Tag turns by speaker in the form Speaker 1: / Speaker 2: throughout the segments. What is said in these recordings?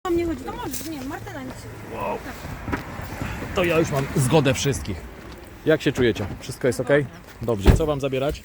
Speaker 1: Tam nie chodzi, to możesz, nie, Martyna nic.
Speaker 2: Wow. To ja już mam zgodę wszystkich. Jak się czujecie? Wszystko jest ok? Dobrze, co wam zabierać?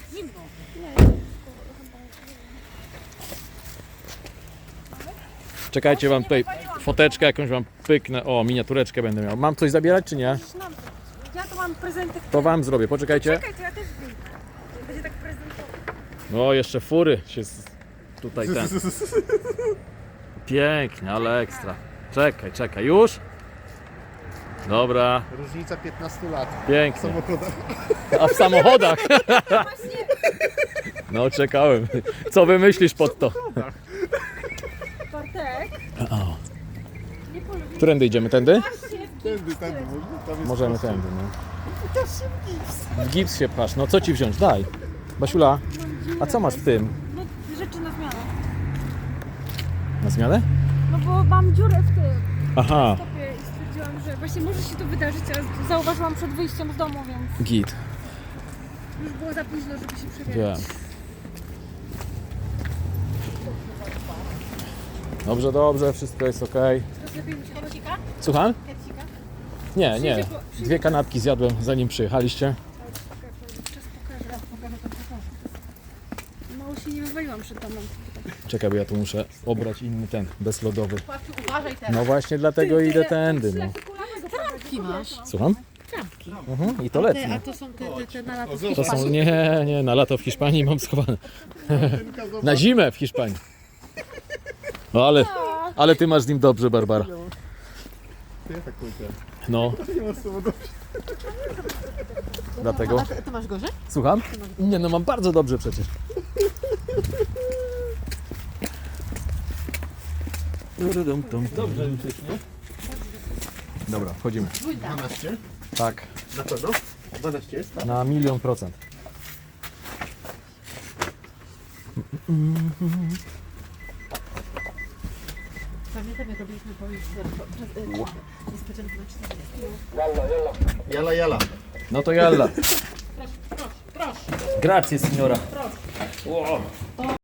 Speaker 2: Czekajcie, wam tutaj foteczkę jakąś wam pyknę. O, miniatureczkę będę miał. Mam coś zabierać czy nie?
Speaker 1: Ja to mam prezenty.
Speaker 2: To wam zrobię, poczekajcie.
Speaker 1: Czekaj, to ja też wyjdę. Będzie tak prezentowo.
Speaker 2: No, jeszcze fury się tutaj ten. Pięknie, ale ekstra. Czekaj, już? Dobra,
Speaker 3: Różnica 15 lat w
Speaker 2: pięknie.
Speaker 3: samochodach.
Speaker 2: A w samochodach?
Speaker 1: Właśnie,
Speaker 2: No, czekałem. Co wymyślisz pod to?
Speaker 1: Bartek.
Speaker 2: O.
Speaker 1: Nie polubię.
Speaker 2: Którędy idziemy? Tędy?
Speaker 3: Tędy, tam jest
Speaker 2: Możemy
Speaker 3: prosto.
Speaker 2: tędy, no.
Speaker 3: I też się w gips.
Speaker 2: W gips się pchasz. No co ci wziąć? Daj. Basiula, a co masz w tym?
Speaker 1: No, rzeczy na zmianę.
Speaker 2: Na zmianę?
Speaker 1: No bo mam dziurę w tym
Speaker 2: Aha,
Speaker 1: stopie i stwierdziłam, że właśnie może się to wydarzyć, a zauważyłam przed wyjściem z domu, więc
Speaker 2: git.
Speaker 1: już było za późno, żeby się
Speaker 2: Wiem.
Speaker 1: przebierać.
Speaker 2: Dobrze, wszystko jest ok.
Speaker 1: To lepiej mi się kecika?
Speaker 2: Słucham?
Speaker 1: Kecika?
Speaker 2: Nie. Dwie kanapki zjadłem zanim przyjechaliście.
Speaker 1: Czas pokażę. Mało się nie wywaliłam przed domem.
Speaker 2: Czekaj, bo ja tu muszę obrać inny ten, bezlodowy.
Speaker 4: Uważaj teraz.
Speaker 2: No właśnie dlatego idę tędy, no.
Speaker 4: Trampki masz.
Speaker 2: Słucham?
Speaker 4: Trampki.
Speaker 2: I to letnie.
Speaker 4: A to są te na lato.
Speaker 2: To są, nie, na lato w Hiszpanii mam schowane. Na zimę w Hiszpanii. No ale ty masz z nim dobrze, Barbara.
Speaker 3: Ja tak powiedziałem.
Speaker 2: No,
Speaker 3: Nie masz samochodu.
Speaker 2: dlatego.
Speaker 4: A ty masz gorzej?
Speaker 2: Słucham? Nie, no mam bardzo dobrze przecież. Dobrze już jest, nie? Dobra, wchodzimy.
Speaker 3: 12?
Speaker 2: Tak,
Speaker 3: Na pewno? 12 jest? Tak?
Speaker 2: na 1,000,000%.
Speaker 4: Pamiętam jak robiliśmy powieść niespodziankę na 40.
Speaker 3: Jala.
Speaker 2: No to jalla. Grazie, signora.